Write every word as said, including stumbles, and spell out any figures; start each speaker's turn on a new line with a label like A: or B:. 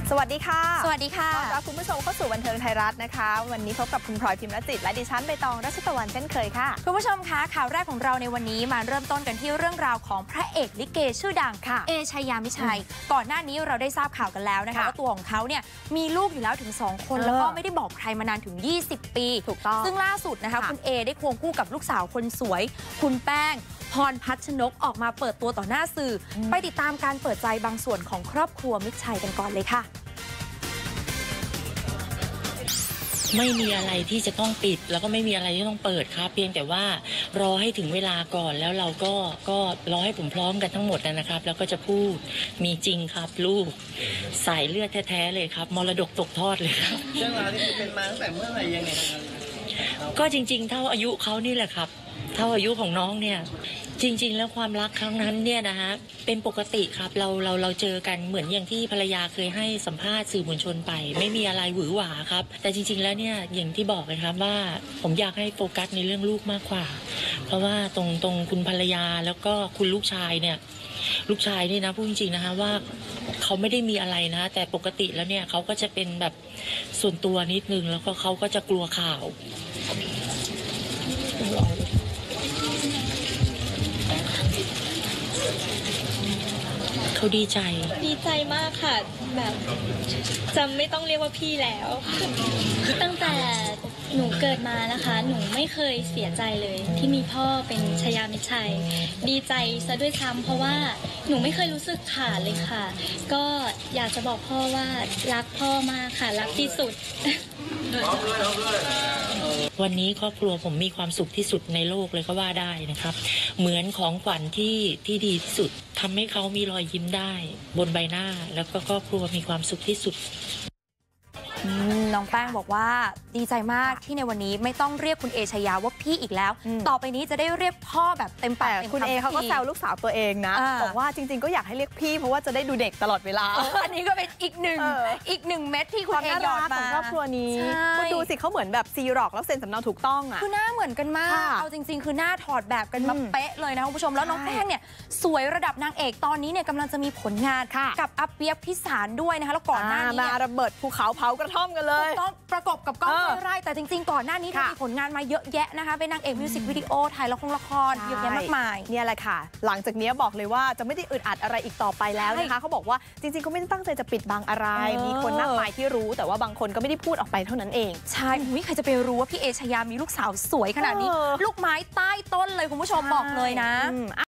A: สวัสดีค่ะ
B: สวัสดีค่ะ
A: ต้อนรับคุณผู้ชมเข้าสู่บันเทิงไทยรัฐนะคะวันนี้พบกับคุณพลอยพิมพ์รจิตและดิฉันใบตองรัชตะวันเช่นเคยค่ะ
B: คุณผู้ชมคะข่าวแรกของเราในวันนี้มาเริ่มต้นกันที่เรื่องราวของพระเอกลิเกชื่อดังค่ะเอชายามิชัยก่อนหน้านี้เราได้ทราบข่าวกันแล้วนะคะว่าตัวของเขาเนี่ยมีลูกอยู่แล้วถึงสองคนแล้วก็ไม่ได้บอกใครมานานถึงยี่สิบปี
A: ถูกต้อง
B: ซึ่งล่าสุดนะคะคุณเอได้ควงคู่กับลูกสาวคนสวยคุณแป้งพรพัชนกออกมาเปิดตัวต่อหน้าสื่อไปติดตามการเปิดใจบางส่วนของครอบครัวมิตรชัยกันก่อนเลยค่ะ
C: ไม่มีอะไรที่จะต้องปิดแล้วก็ไม่มีอะไรที่ต้องเปิดครับเพียงแต่ว่ารอให้ถึงเวลาก่อนแล้วเราก็ก็รอให้ผมพร้อมกันทั้งหมดนะครับแล้วก็จะพูดมีจริงครับลูกสายเลือดแท้ๆเลยครับมรดกตกทอดเลยครับ
D: เรื่องราวที่เป็นมาตั้งแต่เมื่อไหร่ยังไง
C: ก็จริงๆเท่าอายุเขานี่แหละครับเท่าอายุของน้องเนี่ยจริงๆแล้วความรักครั้งนั้นเนี่ยนะฮะเป็นปกติครับเราเราเราเจอกันเหมือนอย่างที่ภรรยาเคยให้สัมภาษณ์สื่อมวลชนไปไม่มีอะไรหวือหวาครับแต่จริงๆแล้วเนี่ยอย่างที่บอกเลยครับว่าผมอยากให้โฟกัสในเรื่องลูกมากกว่าเพราะว่าตรงตรงคุณภรรยาแล้วก็คุณลูกชายเนี่ยลูกชายนี่นะพูดจริงๆนะคะว่าเขาไม่ได้มีอะไรนะแต่ปกติแล้วเนี่ยเขาก็จะเป็นแบบส่วนตัวนิดนึงแล้วก็เขาก็จะกลัวข่าวเขาดีใจ
E: ดีใจมากค่ะแบบจะไม่ต้องเรียกว่าพี่แล้วตั้งแต่หนูเกิดมานะคะหนูไม่เคยเสียใจเลยที่มีพ่อเป็นชายามิตรชัยดีใจซะด้วยซ้ำเพราะว่าหนูไม่เคยรู้สึกขาดเลยค่ะก็อยากจะบอกพ่อว่ารักพ่อมากค่ะรักที่สุด
C: วันนี้ครอบครัวผมมีความสุขที่สุดในโลกเลยก็ว่าได้นะครับเหมือนของขวัญที่ที่ดีที่สุดทำให้เขามีรอยยิ้มได้บนใบหน้าแล้วก็ครอบครัวมีความสุขที่สุด
B: น้องแป้งบอกว่าดีใจมากที่ในวันนี้ไม่ต้องเรียกคุณเอชายาว่าพี่อีกแล้วต่อไปนี้จะได้เรียกพ่อแบบเต็มปากเต็มคำ
A: คุณเอเขาก็แซวลูกสาวตัวเองนะบอกว่าจริงๆก็อยากให้เรียกพี่เพราะว่าจะได้ดูเด็กตลอดเวลา
B: อันนี้ก็เป็นอีกหนึ่งอีกหนึ่งเม็ดที่คุณเอหยอดมา
A: ของครอบครัวนี้คุณดูสิเขาเหมือนแบบซีร็อกแล้วเซ็นสำเนาถูกต้องอ่ะ
B: คือหน้าเหมือนกันมากเอาจริงๆคือหน้าถอดแบบกันมาเป๊ะเลยนะคุณผู้ชมแล้วน้องแป้งเนี่ยสวยระดับนางเอกตอนนี้เนี่ยกำลังจะมีผลงานกับอาเปียกพิสารด้วยนะคะแล้วก่อนหน้านี้
A: มาระเบิดภูเขาเผากระท่อมกันเลย
B: ต้องประกบกับก้องห้วยไร่แต่จริงๆก่อนหน้านี้เธอมีผลงานมาเยอะแยะนะคะเป็นนางเอกมิวสิกวิดีโอถ่ายละครละครเยอะแยะมากมาย
A: เนี่ยแหละค่ะหลังจากนี้บอกเลยว่าจะไม่ได้อึดอัดอะไรอีกต่อไปแล้วนะคะเขาบอกว่าจริงๆเขาไม่ได้ตั้งใจจะปิดบังอะไรมีคนมากมายที่รู้แต่ว่าบางคนก็ไม่ได้พูดออกไปเท่านั้นเอง
B: ใช่ใครจะไปรู้ว่าพี่เอชายามีลูกสาวสวยขนาดนี้ลูกไม้ใต้ต้นเลยคุณผู้ชมบอกเลยนะ